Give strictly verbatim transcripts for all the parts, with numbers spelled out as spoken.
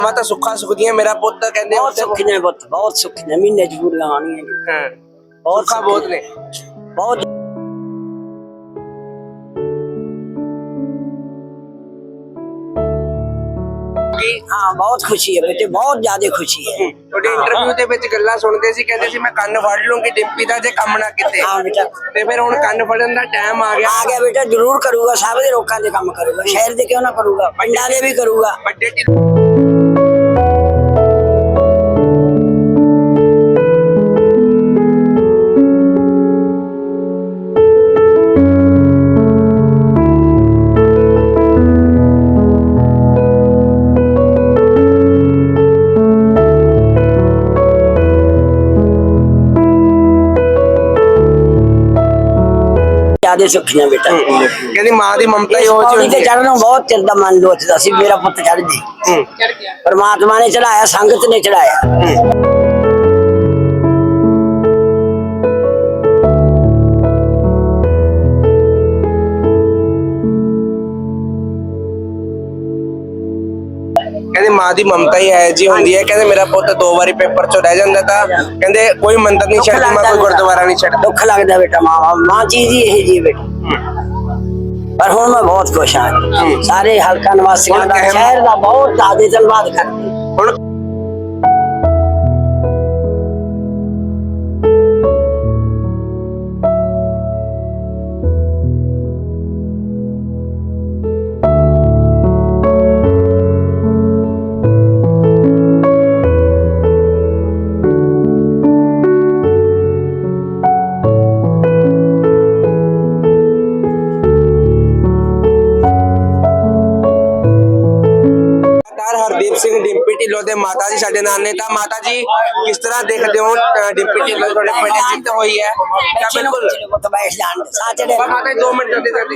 मैं तो सुखा सुखदियां मेरा पुत कहंदे बहुत सुखी ने पुत बहुत सुखी ने महीने च पूरियां आनियां हां बहुत सुखा बहुत ने बहुत हाँ बहुत खुशी है बेटे बहुत ज्यादा खुशी है। ਤੁਹਾਡੇ ਇੰਟਰਵਿਊ ਦੇ ਵਿੱਚ ਗੱਲਾਂ ਸੁਣਦੇ ਸੀ ਕਹਿੰਦੇ ਸੀ ਮੈਂ ਕੰਨ ਫੜ ਲੂੰਗੀ ਡਿੰਪੀ ਦਾ ਜੇ ਕੰਮ ਨਾ ਕੀਤੇ हाँ बेटा ਤੇ ਫਿਰ ਹੁਣ ਕੰਨ ਫੜਨ ਦਾ ਟਾਈਮ ਆ ਗਿਆ आ गया बेटा जरूर करूंगा सब दे लोकां दे काम करूंगा शहर दे क्यों ना करूंगा पिंडां दे भी करूंगा ਵੱਡੇ ਢਿੱਲੋਂ ज्यादा सुखी ने बेटा ਕਹਿੰਦੀ ਮਾਂ ਦੀ ਮਮਤਾ ਹੀ इस ਉਹ पौड़ी ਜਿਹੀ ते चढ़ना बहुत चिर दा मन लोचदा सी मेरा पुत चढ़ जे परमात्मा ने चढ़ाया संगत ने चढ़ाया ਕਹਿੰਦੇ ਮਾਂ ਦੀ ਮਮਤਾ ਹੀ ਹੈ ਜੀ ਹੁੰਦੀ ਹੈ ਕਹਿੰਦੇ ਮੇਰਾ ਪੁੱਤ ਦੋ ਵਾਰੀ ਪੇਪਰ ਚੋਂ ਰਹਿ ਜਾਂਦਾ ਤਾਂ ਕਹਿੰਦੇ ਕੋਈ ਮੰਦਰ ਨਹੀਂ ਛੱਡਦੀ ਮੈਂ ਕੋਈ ਗੁਰਦੁਆਰਾ ਨਹੀਂ ਛੱਡਦਾ दुख लगदा बेटा मां मां चीज ही यही जी बेटा पर हुण मैं बहुत खुश हां सारे हलका निवासियों दा शहर दा बहुत ज्यादा धन्यवाद करदी ਹੁਣ हरदीप सिंह डिंपी ढिल्लों ਦੇ ਮਾਤਾ ਜੀ ਸਾਡੇ ਨਾਲ ਨੇ ਤਾਂ ਮਾਤਾ ਜੀ ਕਿਸ ਤਰ੍ਹਾਂ ਦੇਖਦੇ ਹੋ ਅ, ਡਿੰਪੀ ਢਿੱਲੋਂ ਤੁਹਾਡੇ ਪਿੰਡ ਜਿੱਤ ਹੋਈ ਹੈ ਤਾਂ ਬਿਲਕੁਲ पुत बैठ जान सा चढ़े ਪਰ ਮਾਤਾ ਜੀ ਦੋ ਮਿੰਟ ਦੇ ਦੇ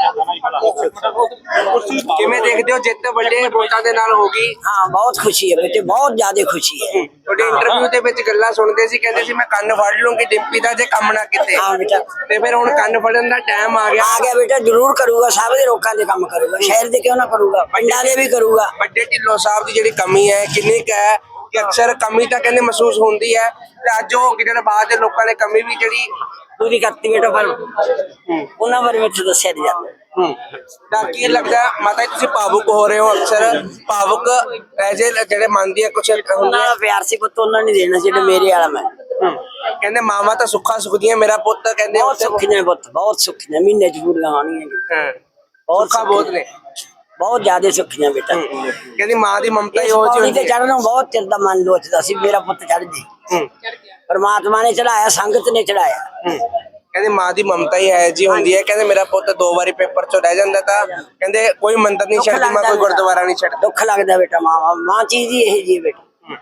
ਕਿਵੇਂ ਦੇਖਦੇ ਹੋ ਜਿੱਤ ਵੱਡੇ ਵੋਟਾਂ ਦੇ ਨਾਲ ਹੋ ਗਈ हाँ बहुत खुशी है बेटे बहुत ज्यादा खुशी है ਤੁਹਾਡੇ ਇੰਟਰਵਿਊ ਦੇ ਵਿੱਚ ਗੱਲਾਂ ਸੁਣਦੇ ਸੀ ਕਹਿੰਦੇ ਸੀ ਮੈਂ ਕੰਨ ਫੜ ਲੂੰਗੀ ਡਿੰਪੀ ਦਾ ਜੇ ਕੰਮ ਨਾ ਕੀਤੇ हाँ बेटा ਤੇ ਫਿਰ ਹੁਣ ਕੰਨ ਫੜਨ ਦਾ ਟਾਈਮ ਆ ਗਿਆ आ गया बेटा जरूर करूंगा सब दे लोकां दे काम करूंगा शहर दे क्यों ना करूंगा पिंडां दे भी करूंगा ਵੱਡੇ ਢਿੱਲੋਂ ਸਾਹਿਬ ਦੀ ਜਿਹੜੀ ਕਮੀ ਹੈ ਕਿੰਨੀ ਕੁ ਹੈ ਕਿ ਅਕਸਰ ਕਮੀ ਤਾਂ ਕਹਿੰਦੇ ਮਹਿਸੂਸ ਹੁੰਦੀ ਹੈ ਤੇ ਅੱਜ ਉਹ ਕਿਹੜੇ ਬਾਅਦ ਦੇ ਲੋਕਾਂ ਨੇ ਕਮੀ ਵੀ ਜਿਹੜੀ पूरी करती बेटा पर उन्हां बारे में तो दस्सिया नहीं जाता ਹੂੰ ਤਾਂ ਕੀ ਲੱਗਦਾ ਮਾਤਾ ਜੀ ਤੁਸੀਂ ਭਾਵੁਕ ਹੋ ਰਹੇ ਹੋ ਅਕਸਰ ਭਾਵੁਕ ਐਜੇ ਜਿਹੜੇ ਮੰਨਦੀ ਆ ਕੁਛ ਹੁੰਦੇ उन्हां दा प्यार सी पुत उन्हां ने देना जेड़ा मेरे वाला मैं ਹੂੰ ਕਹਿੰਦੇ ਮਾਵਾਂ ਤਾਂ ਸੁੱਖਾ ਸੁਖਦੀਆਂ ਮੇਰਾ ਪੁੱਤ ਕਹਿੰਦੇ बहुत ਉੱਥੇ- सुखी ने पुत बहुत सुखी ने महीने च पूरियां आनियां ਹਾਂ बहुत ਸੁੱਖਾ ਬਹੁਤ ਨੇ बहुत ज्यादा सुखी ने बेटा ਕਹਿੰਦੀ ਮਾਂ ਦੀ ਮਮਤਾ ਹੀ इस ਉਹ ਜਿਹੀ पौड़ी ਹੁੰਦੀ ते ਹੈ चढ़ना बहुत चिर दा मन लोचदा सी मेरा पुत चढ़ जे ਹੂੰ परमात्मा ने चढ़ाया संगत ने चढ़ाया ਹੂੰ ਕਹਿੰਦੇ ਮਾਂ ਦੀ ਮਮਤਾ ਹੀ ਹੈ ਜੀ ਹੁੰਦੀ ਹੈ ਕਹਿੰਦੇ ਮੇਰਾ ਪੁੱਤ ਦੋ ਵਾਰੀ ਪੇਪਰ ਚੋਂ ਰਹਿ ਜਾਂਦਾ ਤਾਂ ਕਹਿੰਦੇ ਕੋਈ ਮੰਦਰ ਨਹੀਂ ਛੱਡਦੀ ਮੈਂ ਕੋਈ ਗੁਰਦੁਆਰਾ ਨਹੀਂ ਛੱਡਦਾ दुख लगदा बेटा मां मां चीज ही यही जी बेटा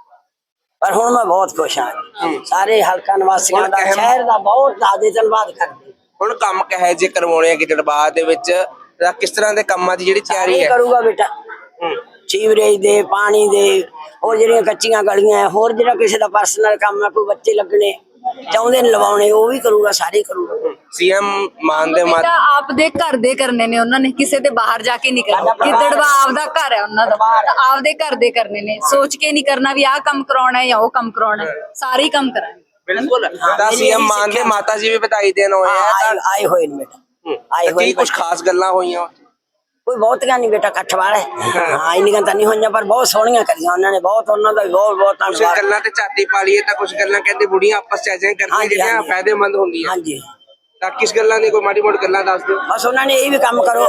पर हुण मैं बहुत खुश हां सारे हलका निवासियों दा शहर दा बहुत ज्यादा धन्यवाद करदी ਹੁਣ ਕੰਮ ਕਹੇ ਜੇ ਕਰਵਾਉਣੇ ਆ ਗਿੱਦੜਬਾਹ ਦੇ ਵਿੱਚ ਤਾਂ ਕਿਸ ਤਰ੍ਹਾਂ ਦੇ ਕੰਮਾਂ ਦੀ ਜਿਹੜੀ ਤਿਆਰੀ सारे ਹੈ करूंगा बेटा सीवरेज दे पानी दे और ਜਿਹੜੀਆਂ ਕੱਚੀਆਂ ਗਲੀਆਂ ਹੈ ਹੋਰ ਜਿਹੜਾ ਕਿਸੇ ਦਾ ਪਰਸਨਲ ਕੰਮ ਹੈ ਕੋਈ ਬੱਚੇ ਲੱਗਣੇ ਚਾਹੁੰਦੇ ਨੇ ਲਵਾਉਣੇ ਉਹ ਵੀ ਕਰੂਗਾ ਸਾਰੇ ਕਰੂਗਾ ਸੀਐਮ ਮਾਨ ਦੇ ਮਾਤਾ ਬੇਟਾ ਆਪਦੇ ਘਰ ਦੇ ਕਰਨੇ ਨੇ ਉਹਨਾਂ ਨੇ ਕਿਸੇ ਦੇ ਬਾਹਰ ਜਾ ਕੇ ਨਹੀਂ ਕਰਨਾ ਗਿੱਦੜਵਾ ਆਪਦਾ ਘਰ ਹੈ ਉਹਨਾਂ ਦਾ ਤਾਂ ਆਪਦੇ ਘਰ ਦੇ ਕਰਨੇ ਨੇ ਸੋਚ ਕੇ ਨਹੀਂ ਕਰਨਾ ਵੀ ਆਹ ਕੰਮ ਕਰਾਉਣਾ ਹੈ ਜਾਂ ਉਹ ਕੰਮ ਕਰਾਉਣਾ ਹੈ ਸਾਰੇ ਹੀ ਕੰਮ ਕਰਾਂਗੇ ਬਿਲਕੁਲ ਤਾਂ ਸੀਐਮ ਮਾਨ ਦੇ ਮਾਤਾ ਜੀ ਵੀ ਵਧਾਈ ਦੇਣ ਹੋਏ ਆ ਆਏ ਆਏ ਹੋਏ ਨੇ ਬੇਟਾ ਆਏ ਤਾਂ ਹੋਏ ਕੀ ਕੁਝ ਖਾਸ ਗੱਲਾਂ ਹੋਈਆਂ ਕੋਈ ਬਹੁਤੀਆਂ ਨਹੀਂ ਬੇਟਾ ਇਕੱਠ ਵਾਲੇ ਹਾਂ ਇੰਨੀਆਂ ਤਾਂ ਨਹੀਂ ਹੋਈਆਂ ਪਰ ਬਹੁਤ ਸੋਹਣੀਆਂ ਕਰੀਆਂ ਉਹਨਾਂ ਨੇ ਬਹੁਤ ਉਹਨਾਂ ਦਾ ਵੀ ਬਹੁਤ ਬਹੁਤ ਕੁਝ ਧੰਨਵਾਦ ਗੱਲਾਂ ਤੇ ਝਾਤੀ ਪਾ ਲਈਏ ਤਾਂ ਕੁਝ ਗੱਲਾਂ ਕਹਿੰਦੇ ਬੁੜੀਆਂ ਆਪਸ ਚ ਐਜੇ ਕਰਦੀਆਂ ਹਾਂਜੀ, ਜਿਹੜੀਆਂ ਹਾਂਜੀ। ਫਾਇਦੇਮੰਦ ਹੁੰਦੀਆਂ ਹਾਂਜੀ ਤਾਂ ਕਿਸ ਗੱਲਾਂ ਦੀ ਕੋਈ ਮਾੜੀ ਮੋਟੀ ਗੱਲਾਂ ਦੱਸ ਦਿਓ ਬਸ ਉਹਨਾਂ ਨੇ ਇਹ ਵੀ ਕੰਮ ਕਰੋ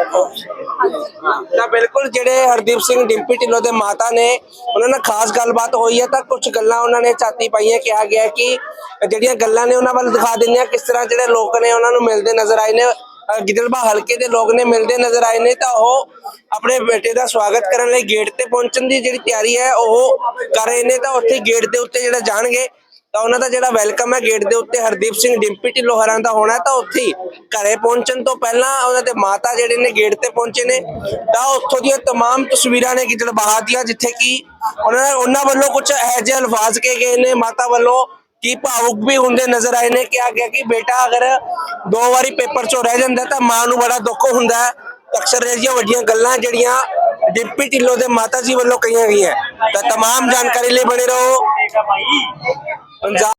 ਤਾਂ ਬਿਲਕੁਲ ਜਿਹੜੇ ਹਰਦੀਪ ਸਿੰਘ ਡਿੰਪੀ ਢਿੱਲੋਂ ਦੇ ਮਾਤਾ ਨੇ ਉਹਨਾਂ ਨਾਲ ਖਾਸ ਗੱਲਬਾਤ ਹੋਈ ਹੈ ਤਾਂ ਕੁਝ ਗੱਲਾਂ ਉਹਨਾਂ ਨੇ ਝਾਤੀ ਪਾਈਆਂ ਕਿਹਾ ਗਿਆ ਕਿ ਜਿਹੜੀਆਂ ਗੱਲਾਂ ਨੇ ਉਹਨਾਂ ਵੱਲ ਦਿਖਾ ਦਿੰਦੇ ਆ ਕਿਸ ਤਰ੍ਹਾਂ ਜਿਹੜੇ ਲੋਕ ਨੇ ਉਹਨਾਂ ਨੂੰ ਮਿਲਦੇ ਨਜ਼ਰ ਆਏ ਨੇ ਅ, ਗਿੱਦੜਬਾਹਾ ਹਲਕੇ ਦੇ ਲੋਕ ਨੇ ਮਿਲਦੇ ਨਜ਼ਰ ਆਏ ਨੇ ਤਾਂ ਉਹ ਆਪਣੇ ਬੇਟੇ ਦਾ ਸਵਾਗਤ ਕਰਨ ਲਈ ਗੇਟ ਤੇ ਪਹੁੰਚਣ ਦੀ ਜਿਹੜੀ ਤਿਆਰੀ ਹੈ ਉਹ ਕਰ ਰਹੇ ਨੇ ਤਾਂ ਉੱਥੇ ਗੇਟ ਦੇ ਉੱਤੇ ਜਿਹੜਾ ਜਾਣਗੇ ਤਾਂ ਉਹਨਾਂ ਦਾ ਜਿਹੜਾ ਵੈਲਕਮ ਹੈ ਗੇਟ ਦੇ ਉੱਤੇ ਹਰਦੀਪ ਸਿੰਘ ਡਿੰਪੀ ਢਿੱਲੋਂ ਹਰਾਂ ਦਾ ਹੋਣਾ ਤਾਂ ਉੱਥੇ ਹੀ ਘਰੇ ਪਹੁੰਚਣ ਤੋਂ ਪਹਿਲਾਂ ਉਹਨਾਂ ਦੇ ਮਾਤਾ ਜਿਹੜੇ ਨੇ ਗੇਟ ਤੇ ਪਹੁੰਚੇ ਨੇ ਤਾਂ ਉੱਥੋਂ ਦੀਆਂ तमाम ਤਸਵੀਰਾਂ ਨੇ ਗਿੱਦੜਬਾਹਾ ਦੀਆਂ ਜਿੱਥੇ ਕਿ ਉਹਨਾਂ ਉਹਨਾਂ ਵੱਲੋਂ ਕੁਝ ਇਹੋ ਜਿਹੇ ਅਲਫਾਜ਼ ਕਹੇ ਗਏ ਨੇ ਮਾਤਾ ਵੱਲੋਂ कि भावुक भी होंगे नजर आए ने क्या गया कि बेटा अगर दो बारी पेपर चो रह जाता तो मां नूं बड़ा दुख होंदा है। अक्सर इह जिहियां वड्डियां गल्लां जिहड़ियां ਡਿੰਪੀ ਢਿੱਲੋਂ ਦੇ ਮਾਤਾ ਜੀ ਵੱਲੋਂ ਕਹੀਆਂ ਗਈਆਂ। ਤਾਂ तमाम ਜਾਣਕਾਰੀ ਲਈ ਬਣੇ ਰਹੋ ਪੰਜਾਬ